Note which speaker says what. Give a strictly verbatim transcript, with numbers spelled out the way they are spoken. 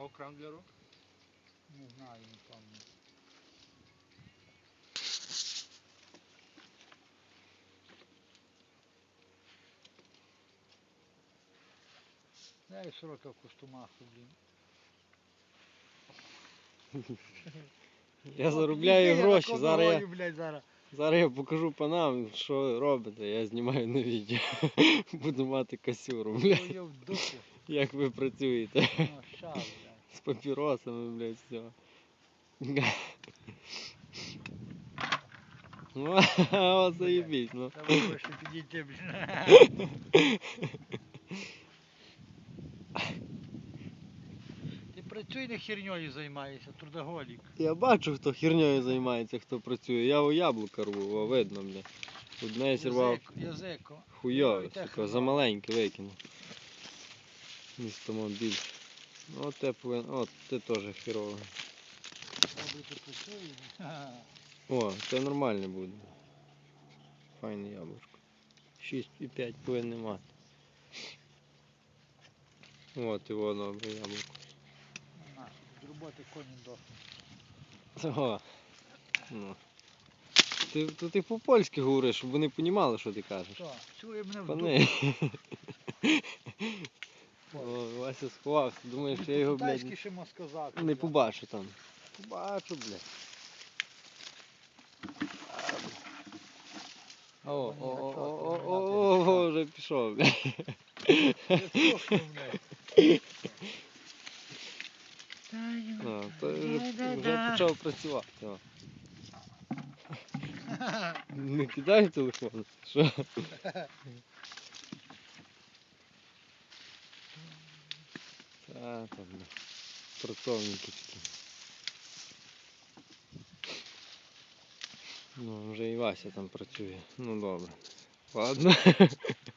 Speaker 1: А окрем для рук?
Speaker 2: Не знаю, не пам'ятаю. Я і сорока в костюмах, блін.
Speaker 3: Я
Speaker 2: От,
Speaker 3: заробляю
Speaker 2: іди, я
Speaker 3: гроші,
Speaker 2: на
Speaker 3: зараз я,
Speaker 2: конвої, блядь, зараз.
Speaker 3: зараз я покажу панам, що робите, я знімаю на відео. Буду мати касюру, блядь,
Speaker 2: Твою в дупу.
Speaker 3: як ви працюєте.
Speaker 2: Ну, ща, блядь.
Speaker 3: З папіросами, блядь, все. Ну, о, заєбіть, ну.
Speaker 2: Треба вище підійти, блін. Ти працюй, не херньою займаєшся, трудоголік.
Speaker 3: Я бачу, хто херньою займається, хто працює. Я у яблука рву, о, видно, бля. Одне я сірвав
Speaker 2: Язико, язико.
Speaker 3: хуйове,
Speaker 2: Ой, те
Speaker 3: сука,
Speaker 2: хрена.
Speaker 3: замаленьке викинув. Місто мав більше. От те повинен, от те теж херово.
Speaker 2: Добре, ти працюєш. Ха.
Speaker 3: О, це нормальне буде. Файне яблучко. шість і п'ять повинен мати. От і воно, добре яблуко.
Speaker 2: На, з роботи коні дохнуть.
Speaker 3: О, ну. Ти, то ти по-польськи говориш, щоб вони розуміли, що ти кажеш.
Speaker 2: Що, чує мене в
Speaker 3: Пани.
Speaker 2: дупу.
Speaker 3: О, Вася сховався, думаєш, що я його, блядь,
Speaker 2: Китайський ще можна сказати.
Speaker 3: не
Speaker 2: блядь.
Speaker 3: побачу там. Побачу, блядь. О, о, о, о, о, о, о, вже пішов, блядь.
Speaker 2: Ти слухай мене.
Speaker 3: О, то вже, вже почав працювати. О. Не кидай телефон. Що? Та, там, бля. Працовники такі. Ну, вже і Вася там працює. Ну добре. Ладно.